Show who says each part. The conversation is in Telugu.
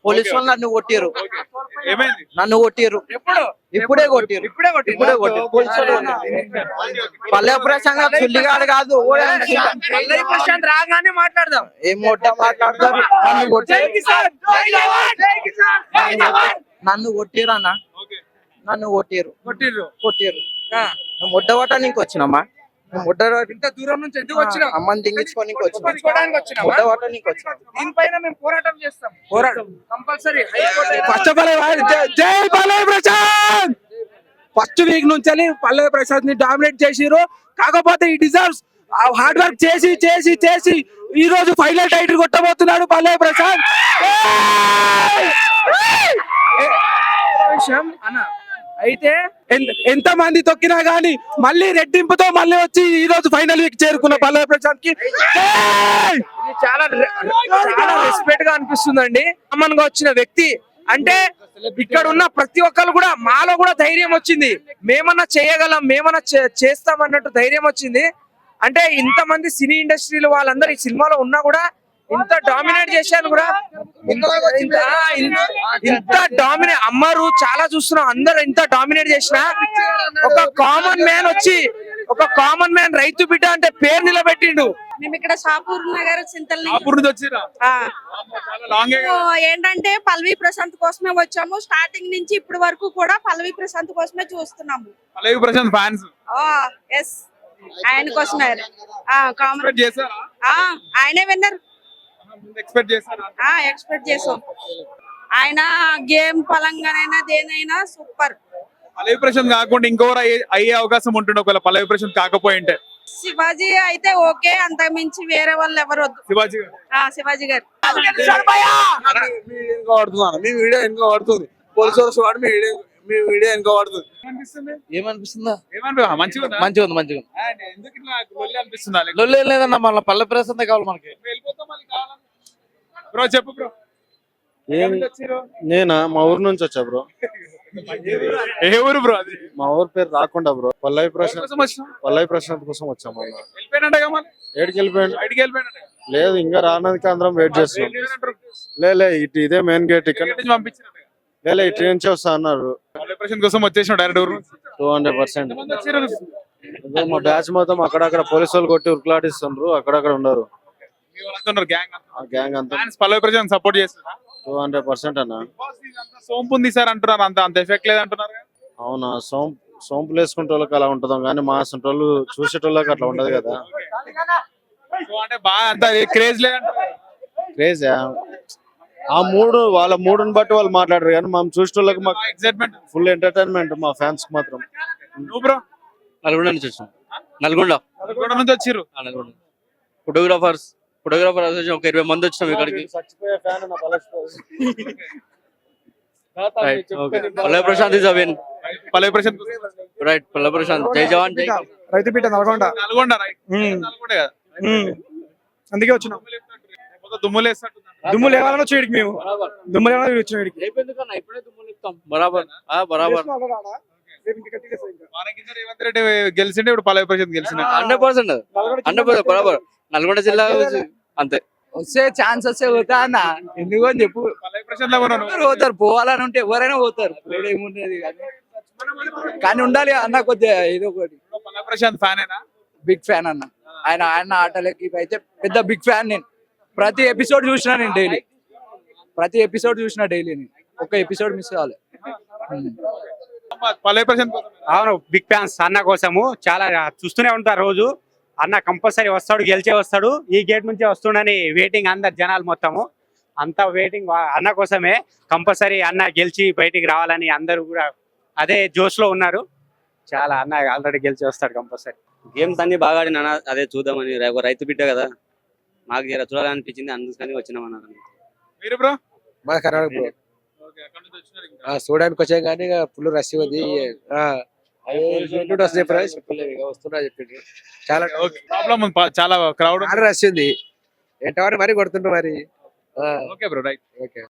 Speaker 1: పోలీసు వాళ్ళు నన్ను కొట్టిరు,
Speaker 2: ఏమైంది?
Speaker 1: నన్ను కొట్టిరు, ఇప్పుడే కొట్టిరు. పోలీసు వాళ్ళు పల్లె ప్రశాంత్ చుల్లిగాడు కాదు.
Speaker 3: ప్రశాంత్ రాగానే మాట్లాడదాం.
Speaker 1: ఏం మాట్లాడతారు? నన్ను కొట్టిరు, నన్ను కొట్టిరు అన్న, నన్ను కొట్టిరు కొట్టిరు. ముడ్డవటానికి వచ్చినమ్మా,
Speaker 3: ఇంత దూరం నుంచి ఎందుకు వచ్చినాం?
Speaker 1: అమ్మని దింగించుకోనికి వచ్చినాం,
Speaker 3: తీసుకోవడానికి వచ్చినామా?
Speaker 1: ముడ్డవటానికి వచ్చినాం.
Speaker 3: దీనిపైన మేము పోరాటం చేస్తాం. కంపల్సరీ
Speaker 4: ఫస్ట్ ఆఫ్ ఆల్ జై పల్లవి ప్రశాంత్. ఫస్ట్ వీక్ నుంచి పల్లవి ప్రశాంత్ ని డామినేట్ చేసిరు. కాకపోతే ఈ డిజర్వ్స్ హార్డ్ వర్క్ చేసి చేసి చేసి ఈ రోజు ఫైనల్ టైటిల్ కొట్టబోతున్నాడు పల్లవి ప్రశాంత్.
Speaker 3: విషయం అన్న అయితే
Speaker 4: ఎంత మంది తొక్కినా గానీ మళ్ళీ రెట్టింపుతో మళ్ళీ వచ్చి ఈ రోజు ఫైనల్ వీక్ చేరుకున్న పల్లవి ప్రశాంత్ కి
Speaker 3: ఇది చాలా చాలా రెస్పెక్ట్ గా అనిపిస్తుందండి. కామన్ గా వచ్చిన వ్యక్తి అంటే ఇక్కడ ఉన్న ప్రతి ఒక్కరు కూడా మాలో కూడా ధైర్యం వచ్చింది. మేమన్నా చేయగలం, మేమన్నా చేస్తాం అన్నట్టు ధైర్యం వచ్చింది. అంటే ఇంతమంది సినీ ఇండస్ట్రీలో వాళ్ళందరూ ఈ సినిమాలో ఉన్నా కూడా ఇంత డామినేట్ చేశాను కూడా, ఇంత డామినేట్ అమ్మారు చాలా చూస్తున్నాం. అందరు ఇంత డామినేట్ చేసిన ఒక కామన్ మ్యాన్ వచ్చి, ఒక కామన్ మ్యాన్ రైతు బిడ్డ అంటే పేరు నిలబెట్టిండు.
Speaker 5: మేము ఇక్కడ షాపూర్ నగర్ చింతల్ ఏంటంటే పల్లవి ప్రశాంత్ కోసమే వచ్చాము. స్టార్టింగ్ నుంచి ఇప్పటి వరకు కూడా పల్లవి ప్రశాంత్ కోసమే చూస్తున్నాము.
Speaker 2: పల్లవి ప్రశాంత్ ఫ్యాన్స్
Speaker 5: ఎస్, ఆయన కోసమే. ఆయనే విన్నర్.
Speaker 2: ఎక్స్పెక్ట్ చేశారా?
Speaker 5: ఎక్స్పెక్ట్ చేసాం. ఆయన గేమ్ పరంగానైనా దేనైనా సూపర్.
Speaker 2: పల్లవి ప్రశాంత్ కాకుండా ఇంకోరు అయ్యే అవకాశం ఉంటుండే ఒకవేళ పల్లవి ప్రశాంత్ కాకపోయింటే?
Speaker 5: శివాజీ అయితే ఓకే, అంత మించి వేరే వాళ్ళు ఎవరు వద్దు.
Speaker 2: శివాజీ గారు,
Speaker 1: మీ
Speaker 5: శివాజీ గారు
Speaker 1: వీడియో వెనుక పడుతుంది, పోలీసు వాళ్ళు వాడు మీ వీడియో వెనుక పడుతుంది. ఏమనిపిస్తుందా?
Speaker 2: మంచిగా ఉందా?
Speaker 1: మంచిగా ఉంది, మంచిగా ఉంది.
Speaker 2: ఎందుకు ఇట్లా లొల్లి అనిపిస్తుందా?
Speaker 1: లొల్లి లేదన్న, మళ్ళీ పల్లె ప్రశాంత్ కావాలి మనకి.
Speaker 2: బ్రో చెప్పు బ్రో.
Speaker 6: నేనా మా ఊరు నుంచి వచ్చా బ్రో.
Speaker 2: ఏ ఊరు బ్రో అది?
Speaker 6: మా ఊరు పేరు రాకుండా బ్రో. పల్లవి
Speaker 2: కోసం
Speaker 6: ప్రశాంత్ కోసం వచ్చాం. మళ్ళీ
Speaker 2: వెళ్ళిపోయినట్టుగా మళ్ళీ
Speaker 6: ఏడికి వెళ్ళిపోయాడు?
Speaker 2: బయటికి వెళ్ళిపోయినట్టుగా.
Speaker 6: లేదు, ఇంకా రానందుకు అందరం వెయిట్ చేస్తున్నాం. లే ఇటు ఇదే మెయిన్ గేట్, ఇక్కడ
Speaker 2: నుంచి పంపించినట్టుగా.
Speaker 6: లే ఇటు నుంచి వస్తా అన్నారు.
Speaker 2: పల్లవి ప్రశాంత్ కోసం వచ్చేసిన డైరెక్ట్ ఊరు
Speaker 6: 200%. మా బ్యాచ్ మొత్తం అక్కడక్కడ పోలీసు వాళ్ళు కొట్టి ఉరుకులాడిస్తున్నారు, అక్కడక్కడ ఉన్నారు. గ్యాంగ్ అంతా
Speaker 2: పల్లవి ప్రశాంత్ సపోర్ట్ చేస్తారా?
Speaker 6: 200% అన్న.
Speaker 2: సోంపు ఉంది సార్ అంటున్నారు, అంత ఎఫెక్ట్ లేదు అంటున్నారు.
Speaker 6: అవునా? సోంపులు వేసుకుంటే వాళ్ళకి అలా ఉంటుందో కానీ మా వాళ్ళు చూసేటోళ్ళకి అట్లా ఉండదు కదా.
Speaker 2: అంటే బాగా అంత క్రేజ్ లేదంటారు.
Speaker 6: క్రేజ్ ఆ వాళ్ళ మూడుని బట్టి వాళ్ళు మాట్లాడరు కానీ మనం చూసేటోళ్ళకి మాకు
Speaker 2: ఎక్సైట్మెంట్,
Speaker 6: ఫుల్ ఎంటర్టైన్మెంట్. మా ఫ్యాన్స్ కి మాత్రం.
Speaker 2: నువ్వు బ్రో?
Speaker 7: నల్గొండ నుంచి వచ్చాం. నల్గొండ
Speaker 2: నుంచి వచ్చిర్రు.
Speaker 7: ఫోటోగ్రాఫర్ అసోసియేషన్ ఒక 20 మంది వచ్చినాం ఇక్కడికి. పల్లవి ప్రశాంత్ ఇస్ అవిన్.
Speaker 2: పల్లవి ప్రశాంత్
Speaker 7: రైట్, పల్లవి ప్రశాంత్. జై జవాన్ జై.
Speaker 4: రైతు బిడ్డ నల్గొండ
Speaker 2: రైట్. నల్గొండ కదా,
Speaker 4: అందుకే వచ్చినాం.
Speaker 2: దుమ్ము
Speaker 4: లేవాలని వచ్చి మేము దుమ్ము లేవాలని వచ్చిన
Speaker 7: ఇప్పుడే దుమ్ములు ఇస్తాం. బరాబర్ బరాబర్.
Speaker 2: రేవంత్ రెడ్డి గెలిచిండే, ఇప్పుడు పల్లవి ప్రశాంత్ గెలిచిండే.
Speaker 7: 100% బరాబర్. నల్గొండ జిల్లా అంతే.
Speaker 1: వస్తే ఛాన్స్ వస్తే పోతా అన్న, ఎందుకు అని చెప్పు.
Speaker 2: పల్లవి ప్రశాంత్
Speaker 1: పోతారు, పోవాలని ఉంటే ఎవరైనా పోతారు, ఏముంటది కానీ ఉండాలి అన్న కొద్దిగా ఏదో ఒకటి.
Speaker 2: Pallavi Prashanth fan
Speaker 1: big fan అన్న. ఆయన ఆటలకి అయితే పెద్ద బిగ్ ఫ్యాన్. నేను ప్రతి ఎపిసోడ్ చూసినా, నేను డైలీ ప్రతి ఎపిసోడ్ చూసిన డైలీ. నేను ఒక ఎపిసోడ్ మిస్ కావాలి.
Speaker 2: పల్లవి ప్రశాంత్
Speaker 8: అవును, బిగ్ ఫ్యాన్స్ అన్న కోసము. చాలా చూస్తూనే ఉంటారు రోజు. అన్న కంపల్సరీ వస్తాడు, గెలిచే వస్తాడు, ఈ గేట్ నుంచే వస్తుండని వెయిటింగ్ అందరు జనాలు మొత్తము. అంతా వెయిటింగ్ అన్న కోసమే. కంపల్సరీ అన్న గెలిచి బయటికి రావాలని అందరూ కూడా అదే జోష్ లో ఉన్నారు. చాలా అన్న ఆల్రెడీ గెలిచి వస్తాడు కంపల్సరీ.
Speaker 7: గేమ్స్ అన్ని బాగా ఆడిన అదే చూద్దామని. రైతు బిడ్డ కదా, మాకు చూడాలనిపించింది, అందుకని వచ్చినాం అన్నారు.
Speaker 2: మీరు బ్రో?
Speaker 1: మా కర్ణాటక బ్రో. చూడడానికి వచ్చాం కానీ ఫుల్ రష్ ఉంది. వస్తున్నా చెప్పిండ్రు. చాలా
Speaker 2: ప్రాబ్లం, చాలా క్రౌడ్
Speaker 1: రష్ ఉంది. ఎంతవరకు మరి కొడుతుండ్రు మరి.
Speaker 2: Okay bro, right.
Speaker 1: ఓకే.